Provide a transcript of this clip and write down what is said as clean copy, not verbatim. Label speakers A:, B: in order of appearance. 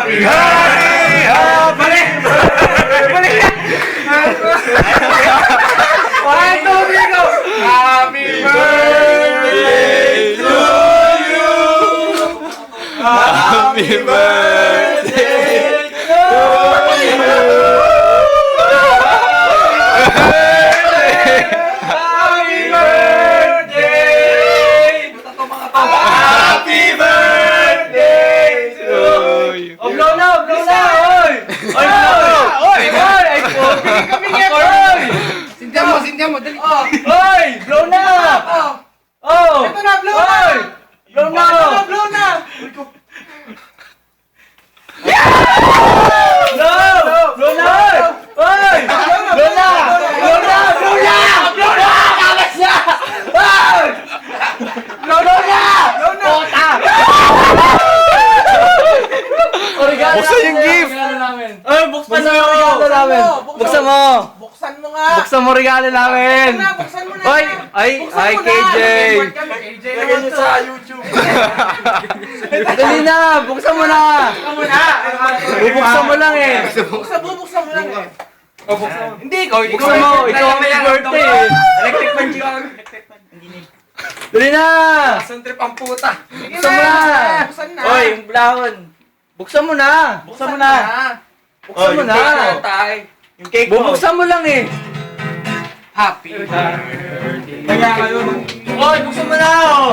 A: Happy birthday! Balik! Balik! One, two, three, go! Happy birthday to you! Happy birthday to you! Happy birthday! Happy birthday to you! Oh, blow na! Blow na! Oy! Oy! Oy! Oy! Ay, poging kami nga! Oy!
B: Sindihan mo, dali.
A: Oy! Blow na! Oh!
B: Ito na, blow na!
A: Oy! Blow na!
B: Blow na!
A: Blow! Blow na! Oy! Blow na! Blow na! Blow na! Blow na! Kamas na! Oy! Blow na! Blow na! Puta!
C: Buksan yung gift!
A: Ay, buksan mo yung regalo namin! Buksan mo!
B: Buksan mo nga!
A: Buksan mo regalo namin!
B: Buksan mo na!
A: Oy! Ay! Ay, KJ!
B: KJ
A: Lagyan niyo sa YouTube! Dali na! Buksan mo na! Bubuksan mo lang eh!
B: Buksan mo lang eh!
A: Hindi! Buksan mo! Ikaw ang may birthday eh!
B: Electric fan yun!
A: Dali na!
B: Buksan trip ang puta!
A: Buksan mo na!
B: Buksan na!
A: Oy! Yung blahon! Buksan mo na! Buksan mo na! Buksan mo na!
B: Yung cake mo!
A: Bubuksan mo lang eh!
B: Happy birthday!
A: Kaya ngayon! Oy! Buksan mo na! Oh!